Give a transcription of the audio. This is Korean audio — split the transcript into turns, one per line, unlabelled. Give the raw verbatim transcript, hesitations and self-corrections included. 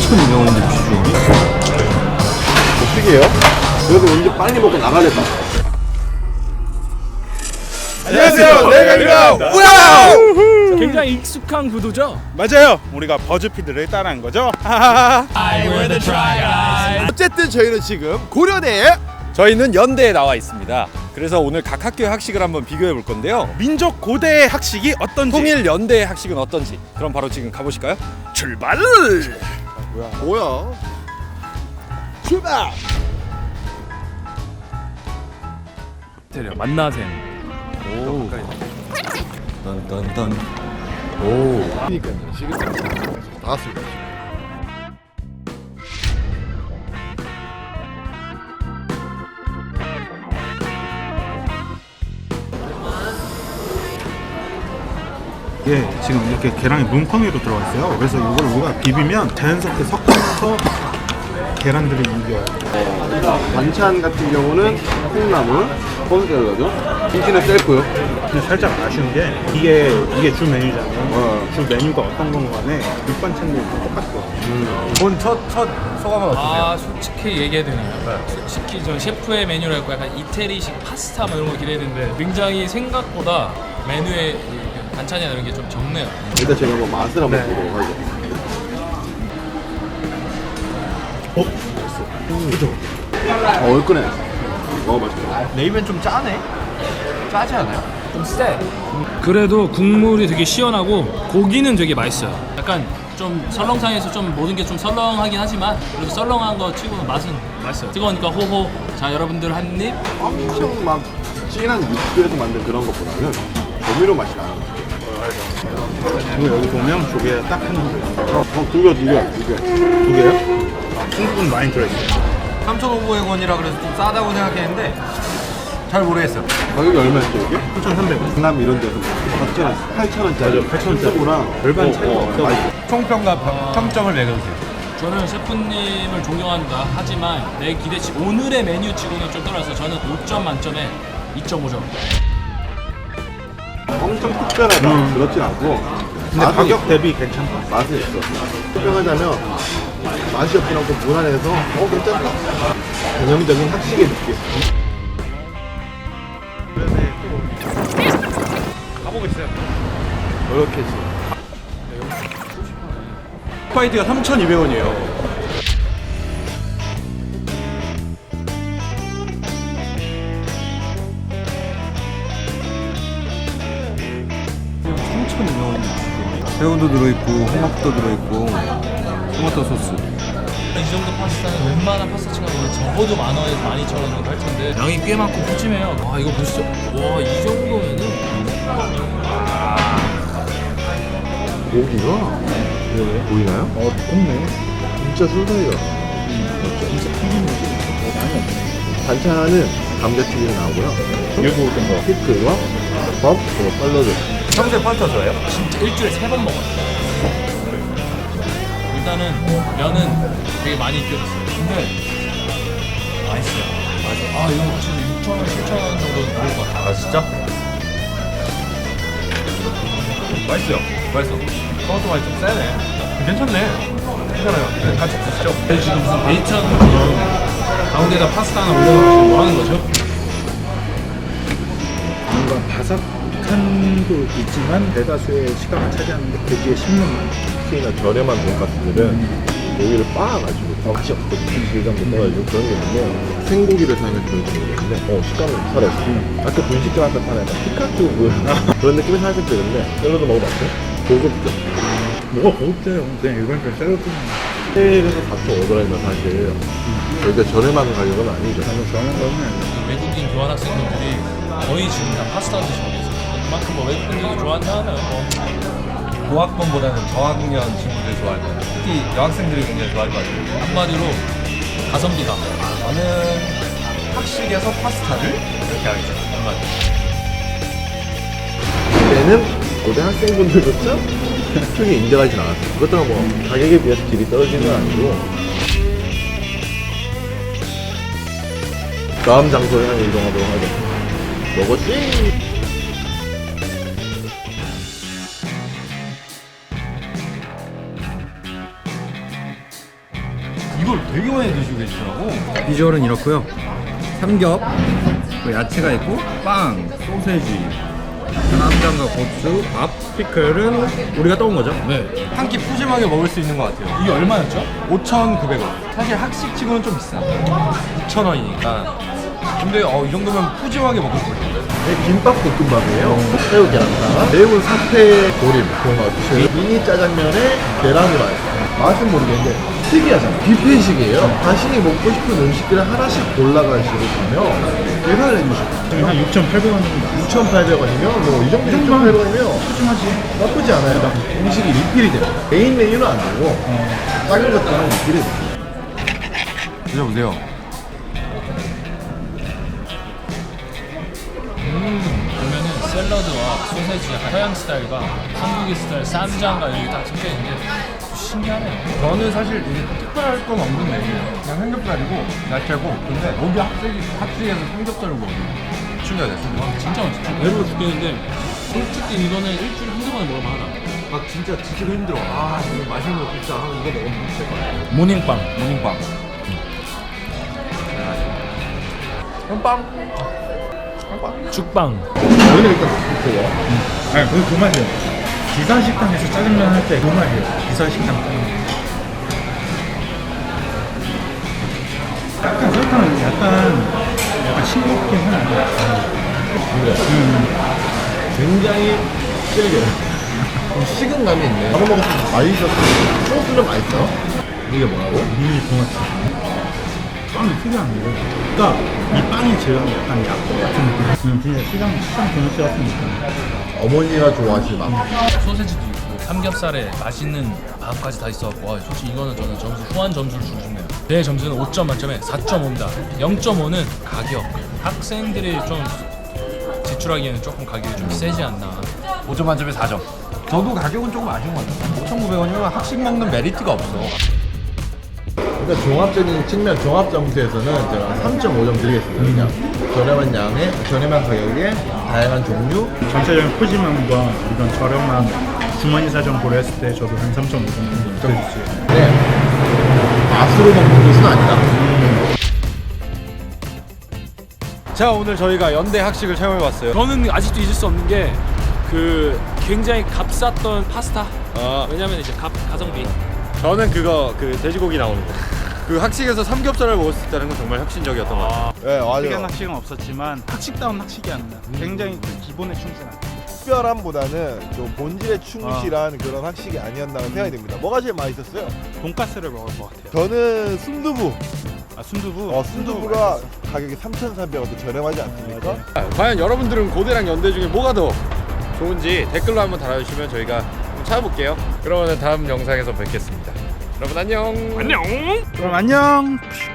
삼천 유명한데 비주얼이?
어떻게 해요? 그래도 이제 빨리 먹고 나가겠다.
안녕하세요, 내가입니다. 와우!
굉장히 익숙한 구도죠?
맞아요. 우리가 버즈피드를 따라한 거죠.
어쨌든 저희는 지금 고려대에
저희는 연대에 나와 있습니다. 그래서 오늘 각 학교의 학식을 한번 비교해 볼 건데요.
민족 고대의 학식이 어떤지
통일 연대의 학식은 어떤지 그럼 바로 지금 가보실까요?
출발!
뭐야? 출발!
만나샘.
오. 딴딴딴. 오.
그러니까요. 지금 다 왔습니다.
예, 지금 이렇게 계란이 뭉텅이로 들어가 있어요. 그래서 이걸 우리가 비비면 자연스럽게 섞어서 계란들이 이겨요.
반찬 같은 경우는 콩나물, 콩가루죠. 김치는 셀프요.
근데 살짝 아쉬운 게 이게 이게 주 메뉴잖아요.
어.
주 메뉴가 어떤 건 간에 밑반찬들이 똑같고.
본 첫 첫 소감은 어떠세요?
아 솔직히 얘기해야 되나요? 솔직히 저 셰프의 메뉴랄고 약간 이태리식 파스타 뭐 이런 거 기대했는데 굉장히 생각보다 메뉴에 이 반찬이나 이런 게 좀 적네요.
일단 제가 한번 맛을 한번
네.
보도록 하죠.
어?
음, 그죠? 어, 얼큰해. 어, 맛있다.
레이면 좀 짜네. 짜지 않아요?
좀 세. 그래도 국물이 되게 시원하고 고기는 되게 맛있어요. 약간 좀 설렁탕에서 좀 모든 게 좀 설렁하긴 하지만 그래도 설렁한 거 치고는 맛은 맛있어요. 뜨거우니까 호호. 자 여러분들 한 입.
엄청 막 진한 육수에서 만든 그런 것보다는 조미료 맛이 나는 것 같아요.
그리고 여기 보면 조개 딱 한 개.
어, 어, 두 개, 두 개, 두 개.
두 개요? 중국은 많이 들어있어요.
삼천오백 원이라 그래서 좀 싸다고 생각했는데 잘 모르겠어요.
가격이 얼마였죠, 이게?
삼천삼백 원.
강남 이런 데서 팔천 원, 팔천 원짜리.
맞아, 팔천 원짜리.
랑
절반 차이가 없어.
맛있어.
총평과 평, 평점을 매겨주세요.
저는 셰프님을 존경한다 하지만 내 기대치 오늘의 메뉴치고는 좀 떨어져서 저는 오 점 만점에 이 점 오 점.
엄청 특별하다.
음.
그렇진 않고.
근데
맛은
가격
있어.
대비 괜찮다.
맛은 있어. 설명하자면 맛이 없진 않고 무난해서 어 괜찮다. 전형적인 학식의 느낌.
가보겠어요.
이렇게 지
스파이드가 삼천이백 원이에요. 삼천이백 원인데 새우도 들어있고 홍합도 들어있고 토마토 소스.
이 정도 파스타는 웬만한 파스타 치고는 적어도 만 원에서 만 이천 원 정도 할 텐데 양이 꽤 많고 푸짐해요. 와 이거 보시죠. 와 이 정도면은
고기가 보이나요?
어, 곱네.
진짜 순살이다. 맞죠?
진짜 튀김 느낌. 어, 많이 없네.
반찬은 감자튀김이 나오고요.
일부 어떤 거?
피클과 밥, 그리고 샐러드.
평소에 파스타 좋아해요?
진짜 일주일에 세 번 먹어요. 일단은 면은 되게 많이 익혀졌어요. 근데 맛있어요. 맞아. 아 이거 지금 육천 원, 칠천 원 정도 나올 것 같아.
아 진짜? 맛있어요. 맛있어. 토마토 맛이 좀 세네. 괜찮네. 괜찮아요. 네, 같이 드시죠.
지금 무슨 베이컨 가운데다 파스타 하나 올려놓고 뭐 하는 거죠?
뭔가 바삭함도 있지만 대다수의 시간을 차지하는 게 고기의 씹는
특히나 저렴한 돈가스들은 고기를 빻아가지고 맛이 없거든요. 질감도 떨어지고 그런 게 있는데 생고기를 사용해서 그런지 모르겠는데 어 식감이 살아있어. 아까 분식집 앞에 파는 약간 피카츄 그, 그런 느낌이 살짝 드는데 샐러드 먹어봤어요? 고급져.
뭐가 고급져요. 그냥 일반적인 샐러드는
해외에서 사천오백원이면 사실 여기가 저렴한 가격은 아니죠.
너무 저렴한 거는 아니에요.
외국인 교환 학생분들이 거의 지금 다 파스타 드시고 계세요. 그만큼 뭐 외국 분들이 좋아한다면 뭐
고학번보다는 저학년 친구들이 좋아할 것 같아요. 특히 여학생들이 굉장히 좋아할 것 같아요.
한마디로 가성비다.
저는 학식에서 파스타를 이렇게 하겠습니다. 한마디.
그때는 고등학생분들조차 크게 인정하진 않았어요. 그것도 뭐 가격에 비해서 질이 떨어지는 건 아니고 다음 장소에 향해 이동하도록 하죠. 먹었지?
이걸 되게 많이 드시고 계시더라고.
비주얼은 이렇고요. 삼겹, 또 야채가 있고 빵, 소세지, 쌈장과 고추, 밥, 피클은 우리가 떠온 거죠.
네. 한 끼 푸짐하게 먹을 수 있는 것 같아요.
이게 얼마였죠?
오천구백 원. 사실 학식치고는 좀 비싸. 육천 원이니까. 근데 어, 이 정도면 푸짐하게 먹을 수 있어요.
네, 김밥 볶음밥이에요. 새우 계란탕, 매운 사태 조림, 도넛, 미니 짜장면에 계란 후라이. 맛은 모르겠는데 특이하잖아. 뷔페식이에요. 자신이 먹고 싶은 음식들을 하나씩 골라가시고 가면 계산을 해주시고
지금 한 육천팔백 원 정도.
육천팔백 원이면 뭐 이 정도 육천팔백 원이면
푸짐하지.
나쁘지 않아요. 음식이 리필이 돼요. 메인 메뉴는 안 되고 작은 것들은 리필이 돼요.
드셔보세요.
보면은 샐러드와 소세지 약간 서양 스타일과 한국의 스타일 쌈장과 여기 딱 섞여 있는데 신기하네요.
저는 사실 이게 특별할 건 없는 메뉴예요. 그냥 삼겹살이고 야채고. 근데 여기 학식이, 학식에서 삼겹살을 먹으면 충격이 됐습니다.
진짜 맛있죠. 배부러 죽겠는데 솔직히 이거는 일주일에 한두 번에 먹으면 하나.
아 진짜 지치고 힘들어. 아 오늘 맛있는 거 진짜 하면 이거 먹으면 될 것 같아요.
모닝빵.
모닝빵. 그럼 빵.
죽빵.
여기는 일단 뷔페예요.
아니 그그 맛이에요. 기사 식당에서 짜장면 할 때 그 맛이에요. 기사 식당 짜장면. 약간 설탕은 약간 약간 싱겁긴 하네.
굉장히 질겨요. 좀 식은감이 있네. 밥을 먹었을 때 맛있었어요. 소스는 맛있어. 이게 뭐라고?
미니 도넛. 빵이 특이한 게, 그러니까 이 빵이 제일 약간 약국 같은 느낌. 음, 진짜 시장 시장 도넛 같은 느낌.
어머니가 좋아하실 맛.
소세지도 있고 삼겹살에 맛있는 밥까지 다 있어갖고 와, 솔직히 이거는 저는 점수 후한 점수를 주고 싶네요. 제 점수는 오 점 만점에 사 점 오입니다. 영 점 오는 가격. 학생들이 좀 지출하기에는 조금 가격이 좀 세지 않나.
오 점 만점에 사 점. 저도 가격은 조금 아쉬운 것 같아요. 오천구백 원이면 학식 먹는 메리트가 없어.
그러니까 종합적인 측면, 종합 점수에서는 제가 삼 점 오 점 드리겠습니다. 그냥 저렴한 양에, 저렴한 가격에, 다양한 종류.
전체적인 푸짐함과 이런 저렴한 주머니 사정 고려했을 때 저도 한 삼 점 오 정도 드려주세요.
네. 맛으로 먹는 것은 아니다.
자 오늘 저희가 연대 학식을 체험해봤어요.
저는 아직도 잊을 수 없는 게 그 굉장히 값쌌던 파스타.
아,
왜냐면 이제 값 가성비.
저는 그거 그 돼지고기 나오는 거. 그 학식에서 삼겹살을 먹을 수 있다는 건 정말 혁신적이었던 것 같아요.
네,
특이한
맞아요.
학식은 없었지만 학식다운 학식이 아니라 굉장히 그 기본에 충실한.
특별함보다는 좀 본질에 충실한 그런 학식이 아니었나 생각이 듭니다. 뭐가 제일 맛있었어요?
돈가스를 먹을 것 같아요.
저는 순두부.
아 순두부.
어, 순두부가 가격이 삼천삼백 원도 저렴하지 않습니까?
과연 여러분들은 고대랑 연대 중에 뭐가 더 좋은지 댓글로 한번 달아주시면 저희가 한번 찾아볼게요. 그러면 다음 영상에서 뵙겠습니다. 여러분 안녕.
그럼 안녕.